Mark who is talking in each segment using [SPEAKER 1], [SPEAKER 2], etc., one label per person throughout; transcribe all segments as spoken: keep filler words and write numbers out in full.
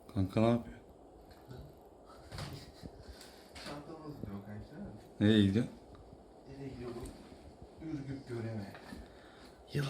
[SPEAKER 1] Kanka ne yapıyor?
[SPEAKER 2] Çantamız gidiyor kanka.
[SPEAKER 1] Nereye gidiyor?
[SPEAKER 2] Nereye gidiyor bu? Ürgüp göreme.
[SPEAKER 1] Yıla.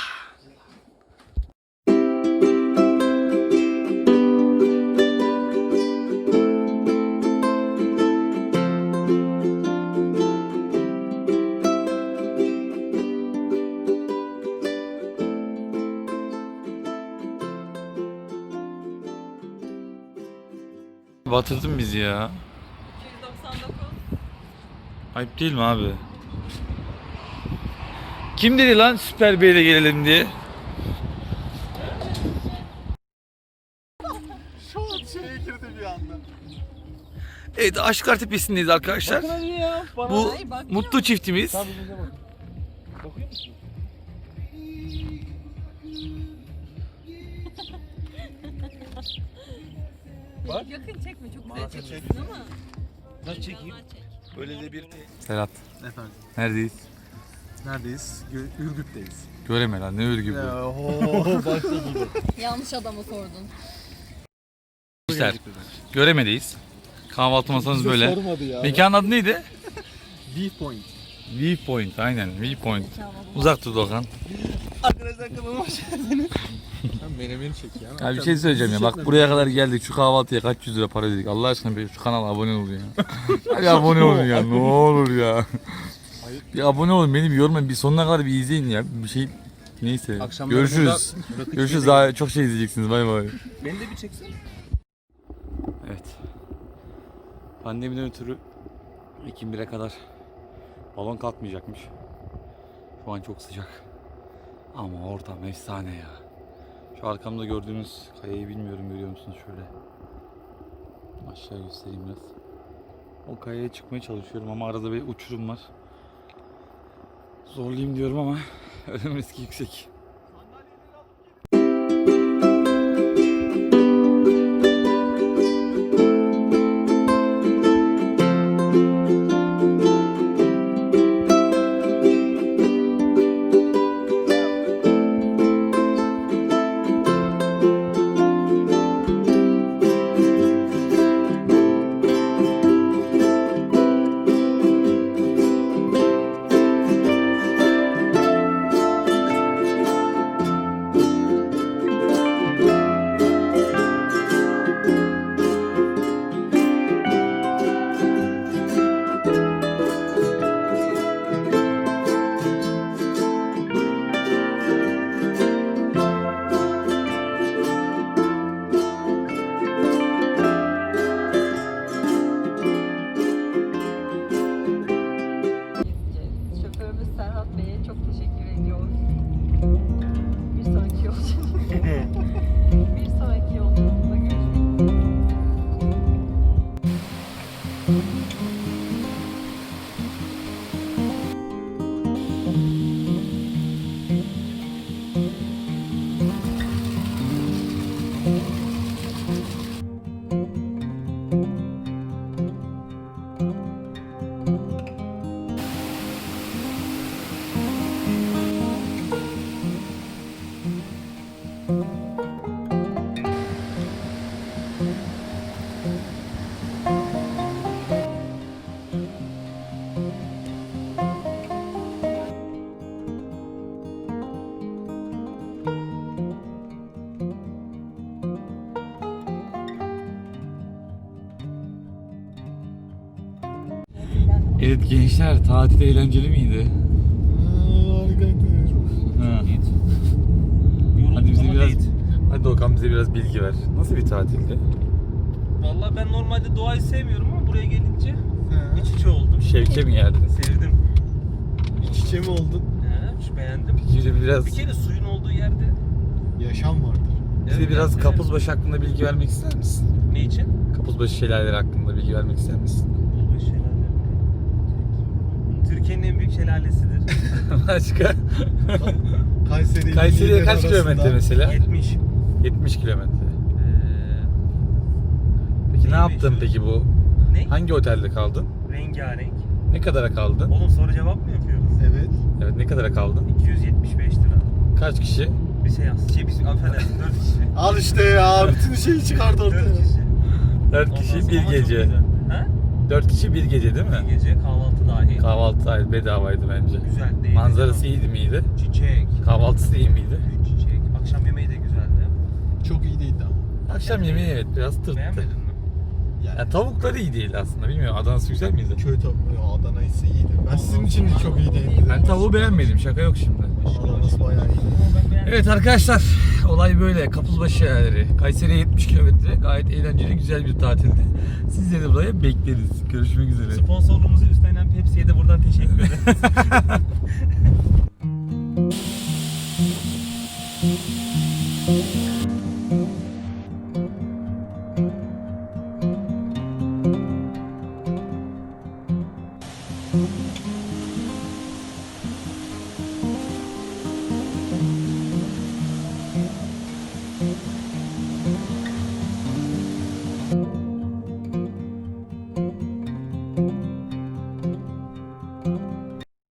[SPEAKER 1] Batırdın bizi ya.
[SPEAKER 3] iki yüz doksan dokuz.
[SPEAKER 1] Ayıp değil mi abi? Kim dedi lan Süper Bey'le gelelim diye?
[SPEAKER 2] Şu an şeye girdi bir anda.
[SPEAKER 1] Evet, Aşkar Tepesi'ndeyiz arkadaşlar.
[SPEAKER 2] Bakın hadi ya. Bana.
[SPEAKER 1] Bu
[SPEAKER 3] Ay, bakmıyor
[SPEAKER 1] mutlu çiftimiz.
[SPEAKER 2] Tabii bize bak. Bakıyor musun? Bak.
[SPEAKER 3] Yakın çekme, çok güzel
[SPEAKER 2] Maalesef
[SPEAKER 3] çekiyorsun ama.
[SPEAKER 2] Nasıl çekeyim?
[SPEAKER 3] Normal çek.
[SPEAKER 2] Böyle de bir...
[SPEAKER 1] Serhat,
[SPEAKER 2] Efendim.
[SPEAKER 1] neredeyiz?
[SPEAKER 2] Neredeyiz? Gö- Ürgüp'teyiz.
[SPEAKER 1] Göreme lan, ne örgü bu.
[SPEAKER 2] Ya ooo başladı.
[SPEAKER 3] Yanlış adamı sordun.
[SPEAKER 1] Güzel. Göremedeyiz. Kahvaltı masamız böyle.
[SPEAKER 2] Sormadı ya.
[SPEAKER 1] Mekanın adı neydi?
[SPEAKER 2] Viewpoint.
[SPEAKER 1] Viewpoint, aynen Viewpoint. Uzak dur Doğan.
[SPEAKER 2] Arkadaşlar kanalıma hoş geldiniz. Sen menemeni çek ya.
[SPEAKER 1] Ya bir şey söyleyeceğim ya. Bak buraya kadar geldik. Şu kahvaltıya kaç yüz lira para dedik. Allah aşkına bir şu kanala abone olun ya. Hadi abone olun ya. Ne olur ya. Bir abone olun. Beni bir yormayın. Bir sonuna kadar bir izleyin ya. Bir şey neyse.
[SPEAKER 2] Akşamları
[SPEAKER 1] Görüşürüz.
[SPEAKER 2] burada rakı
[SPEAKER 1] Görüşürüz.
[SPEAKER 2] içmeye
[SPEAKER 1] Daha çok şey izleyeceksiniz. Bay bay.
[SPEAKER 2] Beni de bir çeksin.
[SPEAKER 1] Evet. Pandemiden ötürü Ekim bire kadar balon kalkmayacakmış. Şu an çok sıcak. Ama ortam efsane ya. Şu arkamda gördüğünüz kayayı bilmiyorum, görüyor musunuz şöyle. Aşağı göstereyim biraz. O kayaya çıkmaya çalışıyorum ama arada bir uçurum var. Zorlayayım diyorum ama ölüm riski yüksek.
[SPEAKER 3] Şoförümüz Serhat Bey'e çok teşekkür ediyoruz. Bir sonraki yolculuğumuzda bir sonraki yolculuğumuzda görüşmek üzere.
[SPEAKER 1] Evet gençler, tatil eğlenceli miydi?
[SPEAKER 2] Harikaydı.
[SPEAKER 1] Ha. Hadi bize biraz, hadi Doğukan bize biraz bilgi ver. Nasıl bir tatildi?
[SPEAKER 4] Vallahi ben normalde doğayı sevmiyorum ama buraya gelince iç içe oldum.
[SPEAKER 1] Şevke mi geldiniz?
[SPEAKER 4] Sevdim.
[SPEAKER 2] İç içe mi oldun?
[SPEAKER 4] He, beğendim.
[SPEAKER 1] Bize biraz,
[SPEAKER 4] Bir kere suyun olduğu yerde
[SPEAKER 2] Yaşam vardır.
[SPEAKER 1] bize
[SPEAKER 4] Evet,
[SPEAKER 1] biraz
[SPEAKER 4] evet.
[SPEAKER 1] Kapuzbaşı hakkında bilgi vermek ister misin?
[SPEAKER 4] Ne için?
[SPEAKER 1] Kapuzbaşı şelaleleri hakkında bilgi vermek ister misin?
[SPEAKER 4] Bu şelale. Türkiye'nin en büyük şelalesidir.
[SPEAKER 1] Başka?
[SPEAKER 2] Kayseri ile
[SPEAKER 1] Kayseri'ye
[SPEAKER 2] Niğde
[SPEAKER 1] kaç
[SPEAKER 2] arasında
[SPEAKER 1] kilometre mesela?
[SPEAKER 4] yetmiş.
[SPEAKER 1] yetmiş kilometre.
[SPEAKER 4] Ee,
[SPEAKER 1] Peki ne
[SPEAKER 4] Neymiş
[SPEAKER 1] yaptın
[SPEAKER 4] o?
[SPEAKER 1] peki bu?
[SPEAKER 4] ne?
[SPEAKER 1] Hangi otelde kaldın?
[SPEAKER 4] Rengarenk.
[SPEAKER 1] Ne kadara kaldın?
[SPEAKER 4] Oğlum soru cevap mı yapıyoruz?
[SPEAKER 2] Evet.
[SPEAKER 1] Evet, ne kadara kaldın?
[SPEAKER 4] iki yüz yetmiş beş lira.
[SPEAKER 1] Kaç kişi?
[SPEAKER 4] Bir şey yaz. Şey biz affedersin dört kişi.
[SPEAKER 2] Al işte ya bütün şeyi çıkardı
[SPEAKER 4] Dört
[SPEAKER 2] ortaya.
[SPEAKER 4] kişi.
[SPEAKER 1] Dört
[SPEAKER 4] Ondan
[SPEAKER 1] kişi
[SPEAKER 4] sonra
[SPEAKER 1] bir
[SPEAKER 4] ama çok
[SPEAKER 1] gece.
[SPEAKER 4] güzeldi. Ha?
[SPEAKER 1] Dört kişi bir gece değil
[SPEAKER 4] Bir
[SPEAKER 1] mi?
[SPEAKER 4] gece kahvaltı dahil.
[SPEAKER 1] Kahvaltı dahil bedavaydı bence.
[SPEAKER 4] Güzel değil.
[SPEAKER 1] Manzarası iyiydi miydi?
[SPEAKER 4] Çiçek.
[SPEAKER 1] Kahvaltısı iyi miydi?
[SPEAKER 4] Çiçek. Akşam yemeği de güzeldi.
[SPEAKER 2] Çok iyi değildi ama.
[SPEAKER 1] Akşam yemeği evet biraz tırttı.
[SPEAKER 4] Beğenmedin mi?
[SPEAKER 2] Yani
[SPEAKER 1] Ya tavukları iyi değil aslında bilmiyorum. Adana'sı güzel miydi?
[SPEAKER 2] köy tavuğu Adana'yısı iyiydi. Ben sizin için de çok iyi değildi.
[SPEAKER 1] Ben tavuğu beğenmedim. Şaka yok şimdi.
[SPEAKER 2] Adana'sı bayağı iyi.
[SPEAKER 4] Ben beğendim.
[SPEAKER 1] Evet arkadaşlar, olay böyle. Kapuzbaşı yerleri. Kayseri'ye yetmiş kilometre. Gayet eğlenceli, güzel bir tatildi. Sizleri de buraya bekleriz. Görüşmek üzere.
[SPEAKER 4] Sponsorluğumuzu üstlenen Pepsi'ye de buradan teşekkür ederim.